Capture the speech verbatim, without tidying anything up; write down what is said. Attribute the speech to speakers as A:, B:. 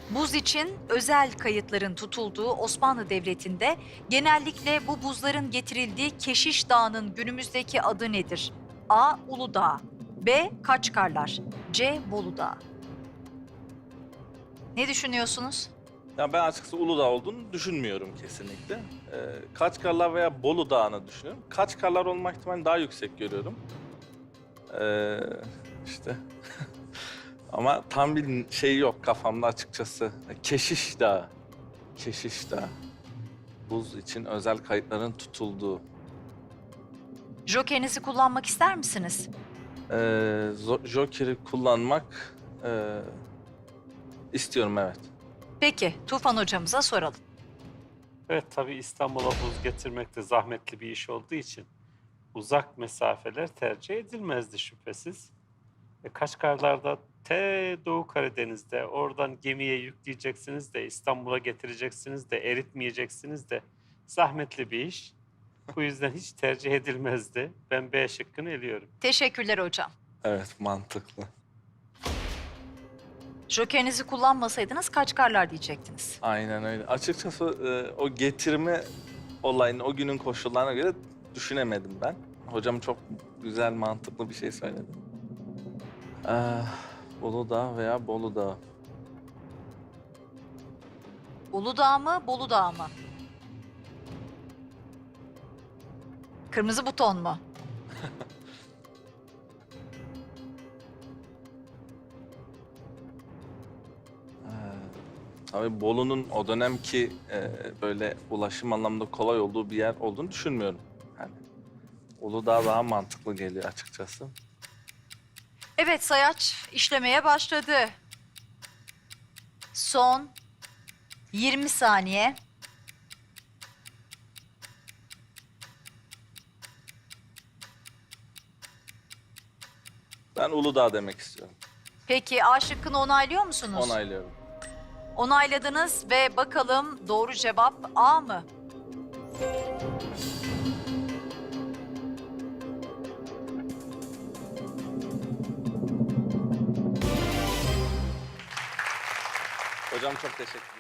A: Buz için özel kayıtların tutulduğu Osmanlı Devleti'nde genellikle bu buzların getirildiği Keşiş Dağı'nın günümüzdeki adı nedir? A. Uludağ, B. Kaçkarlar, C. Bolu Dağı. Ne düşünüyorsunuz?
B: Ya ben açıkçası Uludağ olduğunu düşünmüyorum kesinlikle. Ee, Kaçkarlar veya Bolu Dağı'nı düşünüyorum. Kaçkarlar olma ihtimalini daha yüksek görüyorum. Ee, işte ama tam bir şey yok kafamda açıkçası. Keşiş Dağı. Keşiş Dağı. Buz için özel kayıtların tutulduğu.
A: Jokerinizi kullanmak ister misiniz?
B: Ee, zo- Joker'i kullanmak e, istiyorum, evet.
A: Peki, Tufan hocamıza soralım.
C: Evet, tabii İstanbul'a buz getirmek de zahmetli bir iş olduğu için uzak mesafeler tercih edilmezdi şüphesiz. E, Kaşgarlar'da te Doğu Karadeniz'de oradan gemiye yükleyeceksiniz de İstanbul'a getireceksiniz de eritmeyeceksiniz de zahmetli bir iş. Bu yüzden hiç tercih edilmezdi. Ben B şıkkını eliyorum.
A: Teşekkürler hocam.
B: Evet, mantıklı.
A: Jokerinizi kullanmasaydınız Kaçkarlar diyecektiniz.
B: Aynen öyle. Açıkçası e, o getirme olayını o günün koşullarına göre düşünemedim ben. Hocam çok güzel, mantıklı bir şey söyledi. Ee, Uludağ veya Bolu Dağı.
A: Uludağ mı, Bolu Dağı mı? Kırmızı buton mu?
B: Tabii Bolu'nun o dönemki e, böyle ulaşım anlamında kolay olduğu bir yer olduğunu düşünmüyorum. Yani Uludağ daha mantıklı geliyor açıkçası.
A: Evet, sayaç işlemeye başladı. Son yirmi saniye.
B: Ben Uludağ demek istiyorum.
A: Peki A şıkkını onaylıyor musunuz?
B: Onaylıyorum.
A: Onayladınız ve bakalım doğru cevap A mı?
B: Hocam çok teşekkür ederim.